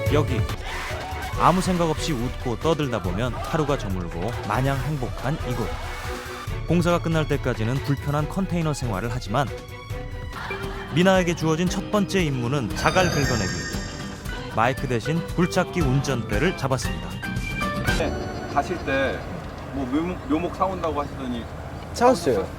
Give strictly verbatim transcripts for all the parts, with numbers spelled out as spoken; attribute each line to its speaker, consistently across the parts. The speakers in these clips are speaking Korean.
Speaker 1: 여기. 아무 생각 없이 웃고 떠들다 보면 하루가 저물고 마냥 행복한 이곳. 공사가 끝날 때까지는 불편한 컨테이너 생활을 하지만 미나에게 주어진 첫 번째 임무는 자갈 긁어내기. 마이크 대신 굴착기 운전대를 잡았습니다.
Speaker 2: 가실 때 뭐 묘목, 묘목 사온다고 하시더니
Speaker 3: 찾았어요.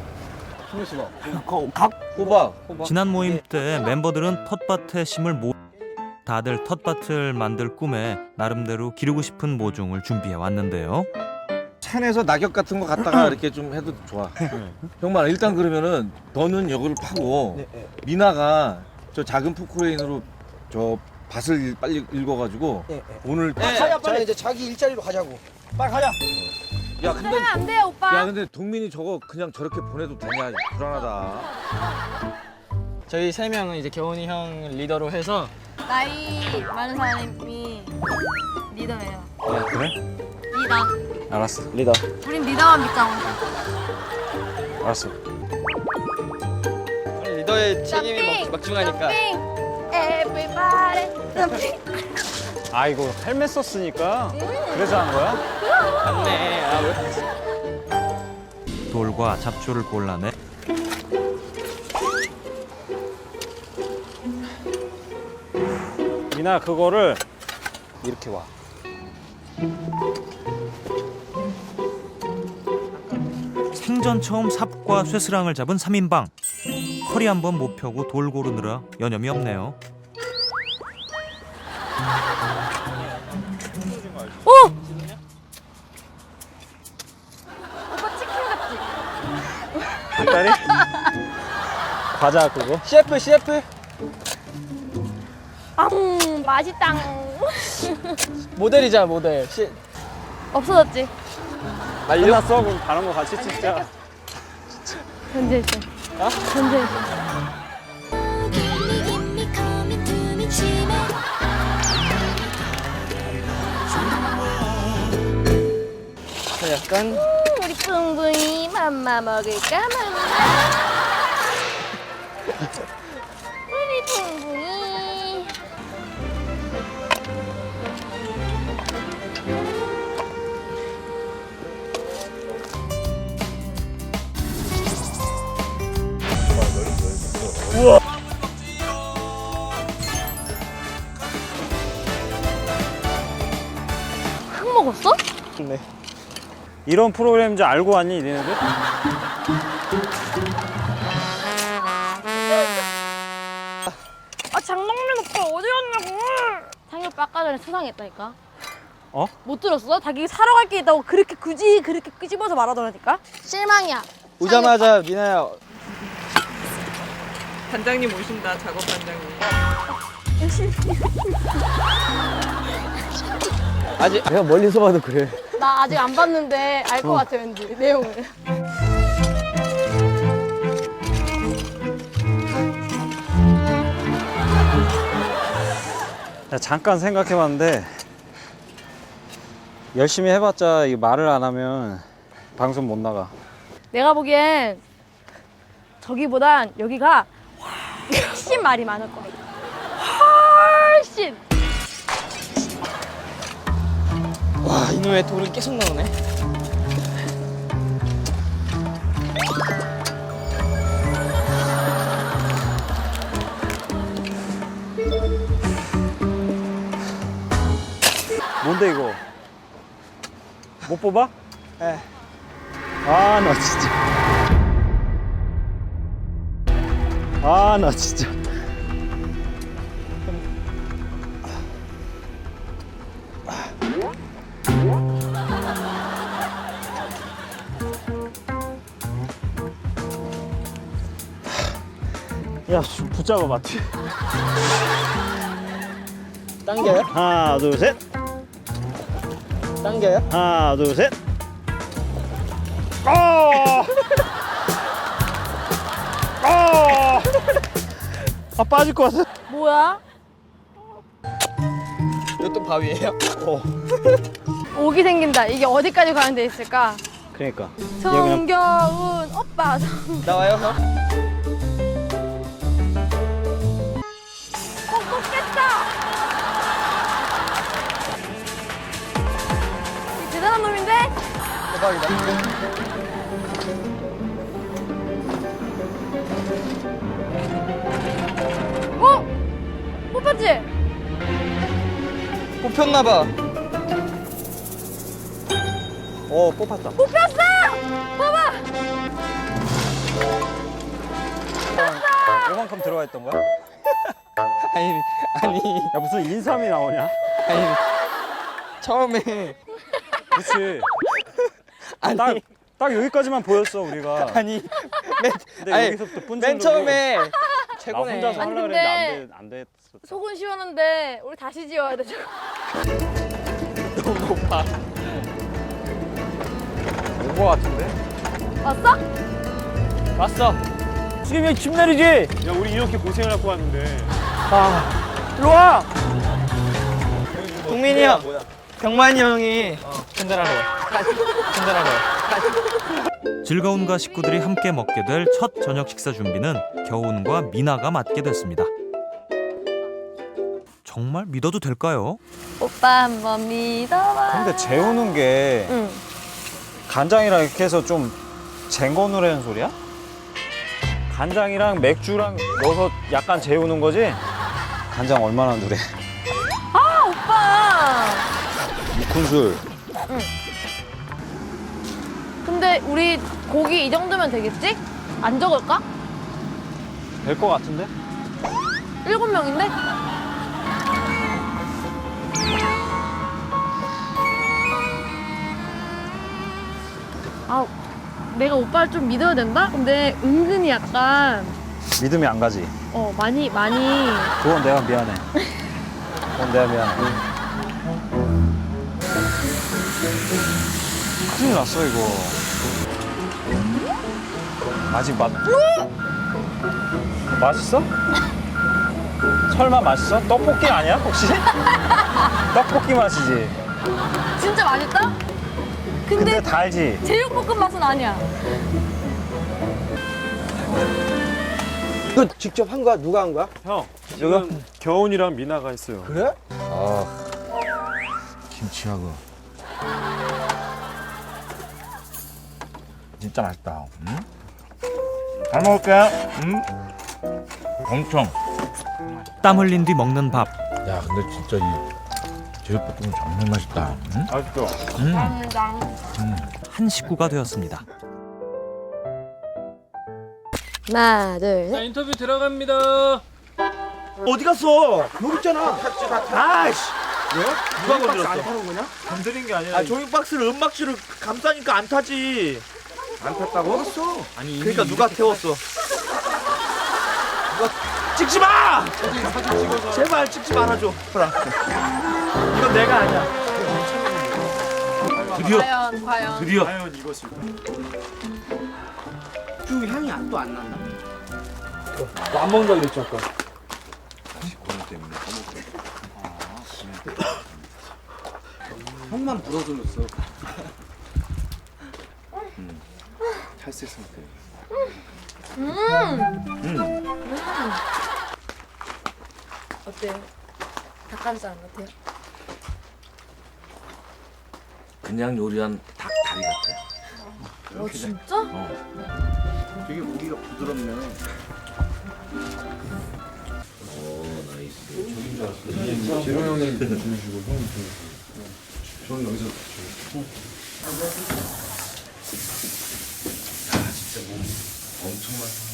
Speaker 3: 각 호박. 호박.
Speaker 1: 지난 모임 때 멤버들은 텃밭에 심을 모 다들 텃밭을 만들 꿈에 나름대로 기르고 싶은 모종을 준비해 왔는데요.
Speaker 3: 산에서 낙엽 같은 거 갖다가 이렇게 좀 해도 좋아. 형만 일단 그러면은 너는 여기를 파고 미나가 저 작은 포크레인으로 저 밭을 빨리 읽어가지고 오늘
Speaker 4: 가자 빨리. 이제 자기 일자리로 가자고. 빨리 가자.
Speaker 3: 야 근데
Speaker 5: 하면 안 돼요, 오빠.
Speaker 3: 야 근데 동민이 저거 그냥 저렇게 보내도 되냐? 불안하다.
Speaker 4: 저희 세 명은 이제 겨훈이 형 리더로 해서
Speaker 5: 나이 많은 사람이 리더예요.
Speaker 3: 아 그래?
Speaker 5: 리더.
Speaker 3: 알았어. 리더.
Speaker 5: 우린 리더만 믿자고.
Speaker 3: 알았어.
Speaker 4: 리더의 책임이 막 막중하니까.
Speaker 5: Everybody jumping.
Speaker 6: 아 이거 헬멧 썼으니까 그래서 한 거야?
Speaker 4: 맞네. 아, 왜?
Speaker 1: 돌과 잡초를 골라내
Speaker 6: 미나 그거를 이렇게 와.
Speaker 1: 생전 처음 삽과 쇠스랑을 잡은 삼 인방. 허리 한번 못 펴고 돌 고르느라 여념이 없네요.
Speaker 5: 오! 오빠 치킨 같지?
Speaker 6: 닭다리? 과자 그거?
Speaker 4: 셰프 셰프.
Speaker 5: 앙, 맛있다.
Speaker 4: 모델이잖아 모델. 시...
Speaker 5: 없어졌지?
Speaker 4: 말려?
Speaker 6: 끝났어? 그럼 다른 거 같이 찍자.
Speaker 5: 견제했어.
Speaker 4: 어?
Speaker 5: 견제했어.
Speaker 4: 약간
Speaker 5: 우리 뿡뿡이 맘마 먹을까 맘마. 우리 뿡뿡이. 흙 먹었어?
Speaker 4: 네.
Speaker 6: 이런 프로그램인 줄 알고 왔니 니네들?
Speaker 5: 아 장동민 오빠 어디 갔냐고. 상희 오빠 아까 전에 수상했다니까.
Speaker 6: 어?
Speaker 5: 못 들었어? 자기 사러 갈 게 있다고 그렇게 굳이 그렇게 끄집어서 말하더라니까. 실망이야.
Speaker 4: 오자마자 미나야.
Speaker 7: 단장님 오신다, 작업 단장님.
Speaker 4: 아직 내가 멀리서 봐도 그래.
Speaker 5: 나 아직 안 봤는데 알 것 같아 왠지 내용을.
Speaker 6: 야, 잠깐 생각해봤는데 열심히 해봤자 이 말을 안 하면 방송 못 나가.
Speaker 5: 내가 보기엔 저기보단 여기가 훨씬 말이 많을 거야. 훨씬.
Speaker 4: 와 이놈의 돌은 계속 나오네.
Speaker 6: 뭔데 이거? 못 뽑아?
Speaker 4: 네.
Speaker 6: 아 나 진짜. 아 나 진짜. 야, 좀 붙잡아 봐.
Speaker 4: 당겨요?
Speaker 6: 하나, 둘, 셋.
Speaker 4: 당겨요?
Speaker 6: 하나, 둘, 셋. 아! 아! 아, 빠질 것 같아.
Speaker 5: 뭐야?
Speaker 4: 이것도 바위예요?
Speaker 6: 어.
Speaker 5: 옥이 생긴다. 이게 어디까지 가는 데 있을까?
Speaker 6: 그러니까.
Speaker 5: 정겨운 오빠.
Speaker 4: 나와요 형?
Speaker 5: 꼭 뽑겠다. 어? 뽑혔지?
Speaker 4: 뽑혔나봐.
Speaker 6: 어 뽑았다.
Speaker 5: 뽑혔어! 봐봐!
Speaker 6: 요만큼 들어가 있던 거야?
Speaker 4: 아니 아니
Speaker 6: 야 무슨 인삼이 나오냐?
Speaker 4: 아니 처음에
Speaker 6: 그치.
Speaker 4: 아니
Speaker 6: 딱, 딱 여기까지만 보였어 우리가.
Speaker 4: 아니 맨
Speaker 6: 근데
Speaker 4: 아니,
Speaker 6: 여기서부터 뿐
Speaker 4: 맨 처음에
Speaker 6: 나
Speaker 4: 최고네.
Speaker 6: 혼자서
Speaker 5: 아니,
Speaker 6: 하려고
Speaker 5: 근데
Speaker 6: 했는데 안 돼. 안 됐어.
Speaker 5: 속은 시원한데 우리 다시 지어야 돼 저거.
Speaker 4: 너무 높아.
Speaker 6: 온거 같은데?
Speaker 5: 왔어?
Speaker 4: 왔어.
Speaker 6: 수겸이 형 집 내리지? 야 우리 이렇게 고생을 하고 왔는데. 아 일로 와.
Speaker 4: 동민이 형, 병만이 형이 전달하러 와. 전달하러 와.
Speaker 1: 즐거운과 식구들이 함께 먹게 될 첫 저녁 식사 준비는 겨운과 미나가 맡게 됐습니다. 정말 믿어도 될까요?
Speaker 5: 오빠 한번 믿어봐.
Speaker 6: 근데 재우는 게
Speaker 5: 응.
Speaker 6: 간장이랑 이렇게 해서 좀 쟁거 누르는 소리야? 간장이랑 맥주랑 넣어서 약간 재우는 거지? 간장 얼마나 누래?
Speaker 5: 아 오빠.
Speaker 3: 무큰술.
Speaker 5: 근데 우리 고기 이 정도면 되겠지? 안 적을까?
Speaker 6: 될 것 같은데?
Speaker 5: 일곱 명인데? 아, 내가 오빠를 좀 믿어야 된다? 근데 은근히 약간
Speaker 6: 믿음이 안 가지.
Speaker 5: 어 많이 많이
Speaker 6: 그건 내가 미안해. 그건 내가 미안해. 큰일 났어 이거. 아직 맛. 맛있어? 설마 맛있어? 떡볶이 아니야 혹시? 떡볶이 맛이지.
Speaker 5: 진짜 맛있다?
Speaker 6: 근데
Speaker 5: 근데
Speaker 6: 달지.
Speaker 5: 제육볶음 맛은 아니야.
Speaker 8: 이거 직접 한 거야? 누가 한 거야?
Speaker 6: 형, 지금 겨운이랑 미나가 있어요.
Speaker 8: 그래?
Speaker 3: 아 김치하고 진짜 맛있다. 응? 잘 먹을게. 응? 엄청.
Speaker 1: 땀 흘린 뒤 먹는 밥.
Speaker 3: 야 근데 진짜 이 제육볶음 정말 맛있다. 응?
Speaker 6: 맛있어.
Speaker 3: 음.
Speaker 1: 한 식구가 되었습니다.
Speaker 5: 하나, 둘, 셋.
Speaker 9: 인터뷰 들어갑니다.
Speaker 8: 어디 갔어? 여기 있잖아. 아이씨.
Speaker 6: 왜?
Speaker 8: 누가 건드렸어? 안 타는 거냐?
Speaker 6: 건드린 게 아니라.
Speaker 8: 아 종이박스를 은박지를 감싸니까 안 타지. 안 탔다고? 알았어.
Speaker 6: 아니
Speaker 8: 그러니까 누가 태웠어? 누가 찍지 마! 제발 찍지 말아줘. 보라. 이건 내가 아니야.
Speaker 3: 드디어
Speaker 5: 과연, 과연.
Speaker 3: 드디어.
Speaker 6: 과연 이것일까?
Speaker 8: 쭉 향이 안 또 안 난다. 너 안 먹는다 그랬지 아까. 형만 불어줘줬어. 탈색했을 때.
Speaker 5: 어때요? 닭가슴살 같아요?
Speaker 3: 그냥 요리한 닭 다리 같아.
Speaker 5: 어 진짜?
Speaker 8: 되게 고기가 부드럽네.
Speaker 3: 오 나이스. 재롱 형님 주시고 형님 주시고. 저는 여기서 주시고. 야 진짜 몸 엄청 많다.